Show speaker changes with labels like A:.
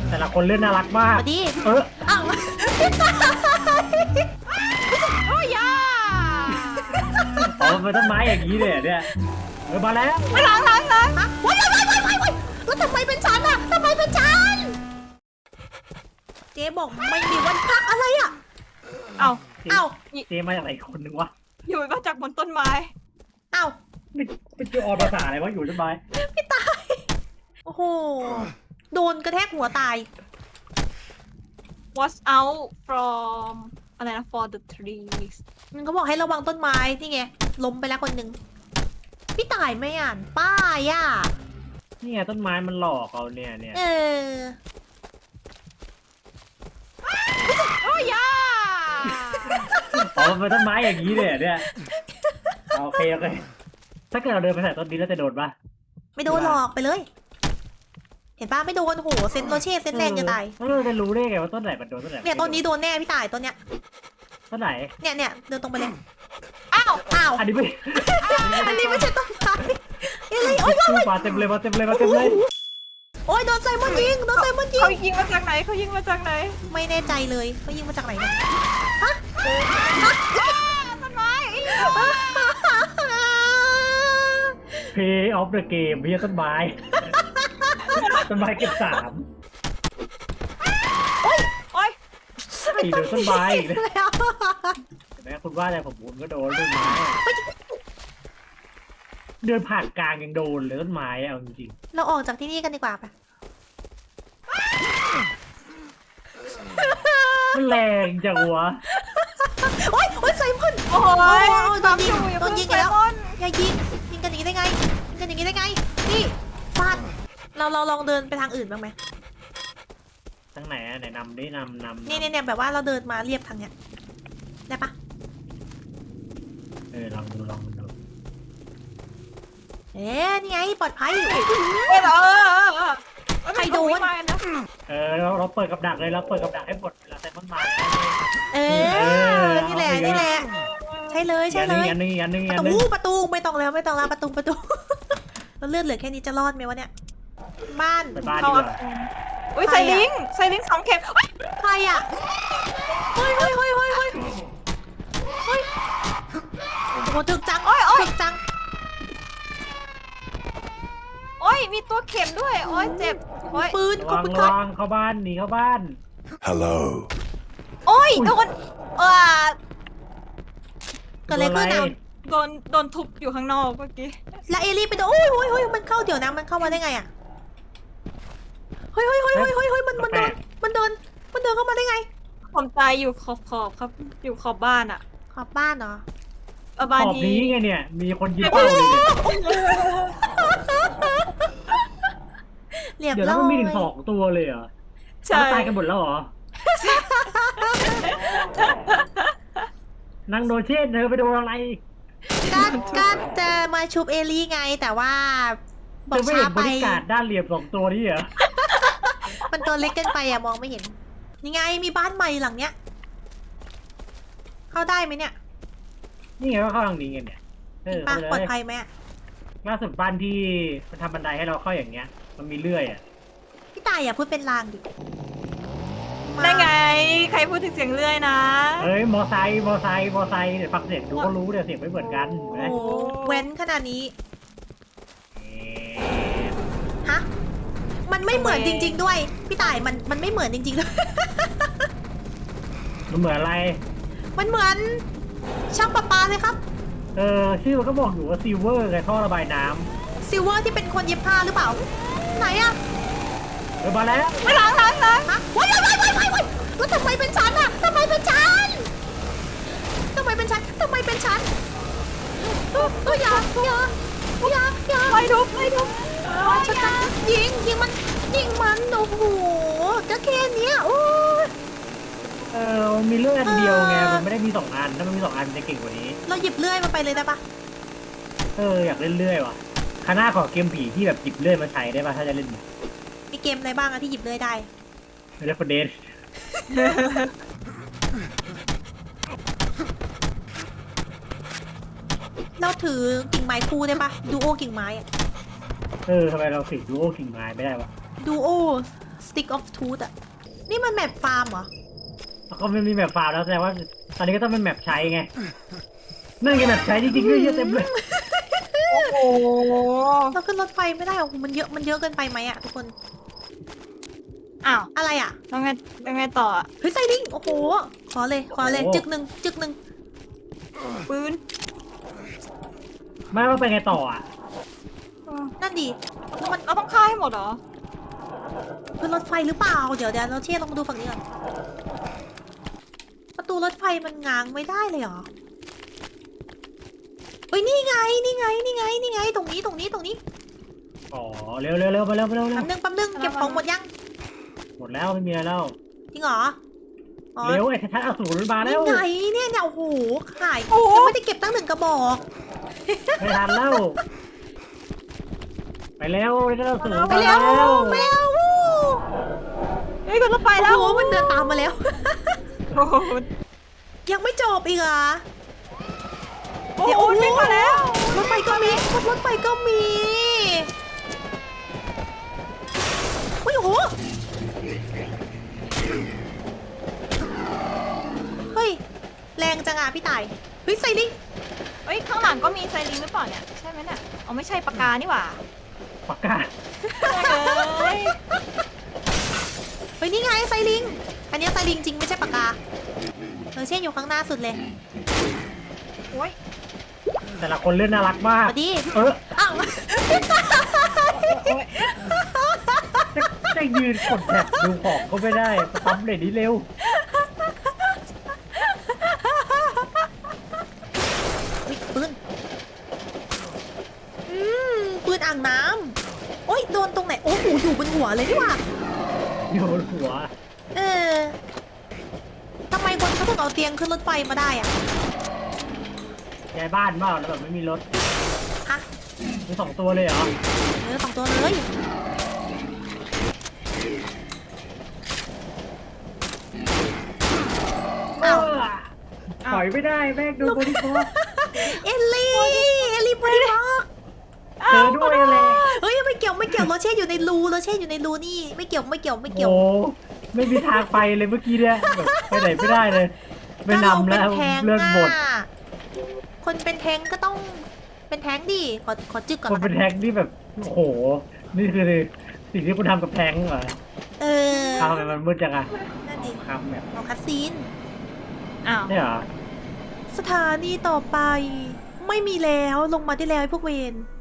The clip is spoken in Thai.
A: แต่ละคนเล่นน่ารักมาก
B: สวัสดี
A: อ้าว
C: โอ้ยยา
A: อ๋อมันเป็นต้นไม้อย่างนี้เลยเนี่ยมาแล้ว
C: ล้าง
B: ว้ายแล้วทำไมเป็นฉันอะทำไมเป็นฉันเจ๊บอกไม่มีวันพักอะไรอะ
C: เอา
B: เอ้า
A: เจมาจากไหนคนนึงวะ
C: อยู่มาจากบนต้นไม้
B: เอ้า
A: ไม่เจอออนภาษาอะไรวะอยู่ต้นไม้
B: พี่ตายโอ้โหโดนกระแทกหัวตาย
C: watch out from อะไรนะ for the trees
B: มันก็บอกให้ระวังต้นไม้นี่ไงล้มไปแล้วคนหนึ่งพี่ตายไม่อ่านป้ายอ่ะ
A: นี่ไงต้นไม้มันหลอกเราเนี่ย
B: เออ
C: โอ้ยยา
A: อ๋อมันเป็นต้นไม้อย่างนี้เลยเนี่ยโอเคถ้าเกิดเราเดินไปใส่ต้นนี้แล้วจะโดนปะ
B: ไม่โดนหรอกไปเลย เห็นป้าไม่โดนโหเซนโรเช่เซนแรงจะตาย
A: เราจะรู้ได้ไงว่าต้นไหนมันโดนต้นไหน
B: เนี่ยต้นนี้โดนแน่พี่ตายต้นเนี้ย
A: ต้นไหน
B: เนี่ยเดินตรงไปเลย
C: อ้าว
B: อ้าว
A: อันนี้ไม่
B: อันนี้ไม่ใช่ต้นไม้อะไรโอ๊ย
A: มาเต็มเลยมาเต็มเลย
B: โอ๊ยโดนไซมอนยิงโดนไซมอนยิง
C: เขายิงมาจากไหนเขายิงมาจากไหน
B: ไม่แน่ใจเลยเขายิงมาจากไหนเนี่ยฮะ
C: ต้นไม้
A: เพย์ออฟเดอะเกมพี่ต้นไม้ต้นไม้เก็บ3
C: โอ้ย
A: ตีโดนต้นไม้อีกนะ
B: แล้ว
A: เห็นไหมคุณว่าอะไรผมก็โดนต้นไม้เดินผ่านกลางยังโดนเลยต้นไม้เอาจริง
B: เราออกจากที่นี่กันดีกว่าปะ
A: มันแรงจังวะ
B: โอ๊ยไซมอน
C: โอ้ย
B: โดนยิง
C: อย่า
B: โดนยิง
C: เพิ่
B: แล้ว
C: ไซมอน
B: อย่ายิงกันอย่างนี้ได้ไงยิงกันอย่างนี้ได้ไงนี่ฟาดเราลองเดินไปทางอื่นบ้างไหม
A: ทั้งไหนไหนนำได้นำ
B: เนี่ยแบบว่าเราเดินมาเรียบทางเนี้ยได้ปะ
A: ลองดู
B: นี่ไงปลอดภัย ใครโดน
C: ไม่นะ
A: เราเปิดกับดักเลยเราเปิดกับดักให้หมดเวลาแต่ต้นไม้
B: นี่แหละใช่เลย
A: อันนึง
B: ประตูไม่ต้องแล้วประตู เราเลือดเหลือแค่นี้จะรอดไหมวะเนี่ยบ้าน
A: ไปบ้านดีกว่า
C: อุ้ยไซลิง2 เข็ม
B: ใครอ่ะเฮ้ยโอ้โหถึกจังถึกจัง
C: โอ้ยมีตัวเข็มด้วยโอ้ยเจ็บโอ้ย
B: ปืนขอบคุณค
A: ระ
B: รับ
A: วังเข้าบ้านหนีเข้าบ้าน
D: Hello.
C: โอ้ยโดน
B: เกิดอะไรขึ้นอ่ะ
C: โดนทุบอยู่ข้างนอกเมื่อกี้
B: แล้วเอลี่ไปโดนโอ้ยมันเข้าเดี๋ยวนะมันเข้ามาได้ไงอ่ะเฮ้ยมันเดินเข้ามาได้ไง
C: ผมตายอยู่ขอบครับอยู่ขอบบ้านอะ
B: ขอบบ้านเหรอ
C: บ้าน
A: ขอบ
C: ที่
A: นี้ไงเนี่ยมีคนยิงเป้าเลย
B: เรียบ
A: เดี๋ยว
B: ร้
A: แล้
B: อ
A: วย มันมีถึง2 ตัวเลยเหรอ
C: ใช่
A: ตายกันหมดแล้วเหรอนั่งโดนเช่นเธอไปโดนอะไร
B: ก็จะมาชุบเอลี่ไงแต่ว่าบ
A: เธ
B: อ
A: อก ไม่
B: ช้า
A: เห็นบ
B: ไป
A: รรยากาศด้านเหลี่ยม2 ตัวนี้เหรอ
B: มันตัวเล็กเกินไปอะมองไม่เห็นยังไงมีบ้านใหม่หลังเนี้ยเข้าได้ไหมเนี่ย
A: นี่ไงก็เข้าทางนี้ไงเนี่ย
B: ป้า
A: เข้าไป
B: ปลอด
A: เลย
B: ภัยไหมอะ
A: ล่าสุดบ้านที่มันทำบันไดให้เราเข้าอย่างเงี้ย มันมีเลื่อยอ่ะ
B: พี่ตายอย่าพูดเป็นลางดิ
C: ได้ไง ใครพูดถึงเสียงเลื่อยนะ
A: เฮ้ยมอไซค์เดี๋ยวฟังเสียงดูก็รู้เดี๋ยวเสียงไม่เหมือนกันเห็นไหม
B: โอ้โหเว้นขนาดนี้ฮะมันไม่เหมือนจริง ๆ ด้วยพี่ตายมันไม่เหมือนจริงๆด้วย
A: มันเหมือนอะไร
B: มันเหมือนช่างประปาเลยครับ
A: ชื่อมันก็บอกอยู่ว่าซิลเวอร์ไงท่อระบายน้
B: ซิลเวอร์ที่เป็นคนเย็บผ้าหรือเปล่าไหนอะ
A: ำมาแล้ว
C: ไม่ล้าง
B: ฮะว้ายแล้วทำไมเป็นฉันอะทำไมเป็นฉันอย่า
C: ไม่ทุบ
B: ฉันยิงมันโอ้โหก็แค่เนี้ยโอ้ย
A: มันมีเลื่อยอันเดียวไงมันไม่ได้มี2 อันถ้ามันมี2 อันจะเก่งกว่านี้
B: เราหยิบเลื่อยมาไปเลยได้ปะ
A: อยากเล่นเลื่อยว่ะคณะขอเกมผีที่แบบหยิบเลื่อยมาใช้ได้ป่ะถ้าจะเล่น
B: มีเกมอะไรบ้างอะที่หยิบเลื่อยได้
A: เรฟเฟอร์เดน
B: เราถือกิ่งไม้คู่ได้ปะดูโอกิ่งไม้อะ
A: ทำไมเราสิดูโอคิงไม้ไม่ได้วะ
B: ดูโอส stick of truth อะนี่มันแมปฟาร์มเหรอ
A: แล้วก็ไม่มีแมปฟาร์มแล้วแสดงว่าตอนนี้ก็ต้องเป็นแมปใช้ไงนั่นไงแมปใช้จริงๆด้วยเยอะเต็มเลย
C: โอ้โห
B: เราขึ้นรถไฟไม่ได้โอ้โหมันเยอะเกินไปไหมอะทุกคน
C: อ้าว
B: อะไรอะ
C: แล้วไงต่ออะ
B: เฮ้ยไซลิงโอ้โหขอเลยจึกหนึ่ง
C: ปืน
A: ไม่ว่าไปไงต่ออ่ะ
B: นั่นดิแล้วมัน
C: เราต้องฆ่าให้หมดเหรอ
B: ขึ้นรถไฟหรือเปล่าเดี๋ยวเราเชี่ยลองมาดูฝั่งนี้ก่อนประตูรถไฟมันง้างไม่ได้เลยเหรอเฮ้ยนี่ไงตรงนี้
A: อ๋อเร็วมาเร็ว
B: แป๊บนึงเก็บของหมดยัง
A: หมดแล้วไม่มีอะไรแล้ว
B: จริงเหรออ๋อ
A: เร็วไอ้ชัดอสูรมาแล้ว
B: นี่ไงเนี่ยโอ้โหขาย
C: โอ้โห
B: ยังไม่ได้เก็บตั้ง1 กระบอก
A: ไม่ทันแล้วไปแล้วไอ้ชัดอสูร
B: ไปแล้ววู้
C: เฮ้ยขึ้นรถไฟแล้ว
B: โอ้โหมันเดินตามมาแล้ว
C: โอ้โห
B: ยังไม่จบอีกเหรอ
C: โอ้โหวิ่งมาแล้ว
B: รถไฟก็มีอุ้ยโอ้โหเฮ้ยแรงจังอ่ะพี่ต่ายเฮ้ยไซลิง
C: เฮ้ยข้างหลังก็มีไซริงหรือเปล่าเนี่ยใช่ไหมเนี่ยอ๋อไม่ใช่ปากกานี่หว่า
A: ปากกา
C: เฮ้ย
B: เฮ้ยนี่ไงไซลิงอันนี้ไซลิงจริงไม่ใช่ปากกาเช่นอยู่ข้างหน้าสุดเลย
C: โอ้ย
A: แต่ละคนเล่นน่ารักมาก
B: สวัสดี
A: อ้าวจะยืนกดแท็บดูของก็ไม่ได้ปั๊มเลยนี้เร็ว
B: อุ๊ยปืนปืนอ่างน้ำโอ้ยโดนตรงไหนโอ้โหอยู่บนหัวเลยนี่หว่า
A: อยู่บนหัว
B: เออทำไมคนเขาถึงเอาเตียงขึ้นรถไฟมาได้อะ
A: ย้ายบ้านเปล่าแล้วแบบไม่มีรถ
B: ฮะ
A: มี2 ตัวเลยเหรอ
B: 2 ตัวเลย อ้าว
A: ถอยไม่ได้แม่งดูบริโภค
B: เอลลี่บอดี้บล็อก
A: เจอด้วยอะไร
B: เฮ้ยไม่เกี่ยวโรเช่อยู่ในรูนี่ไม่เกี่ยว
A: โอ้ไม่มีทางไปเลยเมื่อกี้เนี่ยแบบไปไหนไม่ได้เลย ไม่นำแล้ว
B: ก็ราป็นทง
A: เลื่อนบท
B: ะคนเป็นแทงก็ต้องเป็นแทงดิขอจึกก่อน
A: คน
B: ละ
A: เป็น
B: กัน
A: แทงนี่แบบโอ้โหนี่คือสิ่งที่คุณทำกับแทงเหรอ
B: เออ
A: ทำไมมันมืดจังอะ
B: นั่นดิ
A: ครับแบบ
B: เอาคัสซีน
C: อ้าว
A: เนี่ยเหรอ
B: สถานีต่อไป ไม่มีแล้วลงมาได้แล้วไอ้พวกเวร